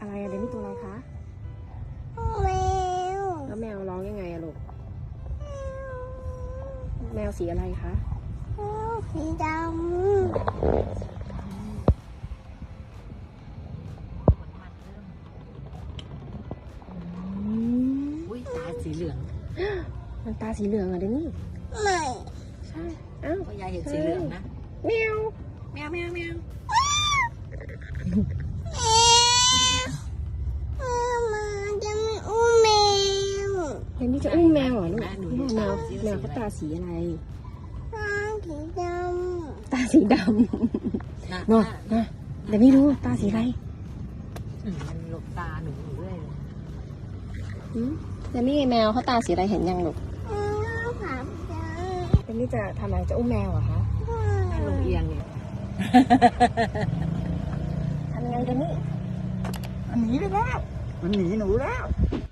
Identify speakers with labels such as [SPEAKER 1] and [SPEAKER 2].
[SPEAKER 1] อะไรอะเดมี่ตัวอะไรคะ
[SPEAKER 2] แมว
[SPEAKER 1] แล้วแมวร้องยังไงอะลูกแมวสีอะไรคะ
[SPEAKER 2] สีด
[SPEAKER 3] อุ้ยตาสีเหลือง
[SPEAKER 1] มันตาสีเหลืองอะเดมี่
[SPEAKER 2] ำไม่
[SPEAKER 1] ใช่อ้าว
[SPEAKER 3] ก็ยายเห็นสีเหลืองนะ
[SPEAKER 1] แมว
[SPEAKER 3] แมวแมวแมว
[SPEAKER 2] มาจะไม่อุ้มแมว
[SPEAKER 1] เดมี่จะอุ้มแมวเหรอลูกแมวเขาตาสีอะไร
[SPEAKER 2] สีด
[SPEAKER 1] ตาสีดำ
[SPEAKER 3] นะ
[SPEAKER 1] เนาะนะเดมี่ดูตาสีอะไร
[SPEAKER 3] มันหลบตาหนูอยู่เรื่อยเลย
[SPEAKER 1] เดมี่แมวเขาตาสีอะไรเห็นยังลูก
[SPEAKER 2] ำผับจ้า
[SPEAKER 1] เดมี่จะทำอะไรจะอุ้มแมวเหรอคะ
[SPEAKER 3] นั่นลงเอียงเนี่ย
[SPEAKER 1] ทำไงเดมี่
[SPEAKER 4] มันหนีไปแล้ว มันหนีหนูแล้ว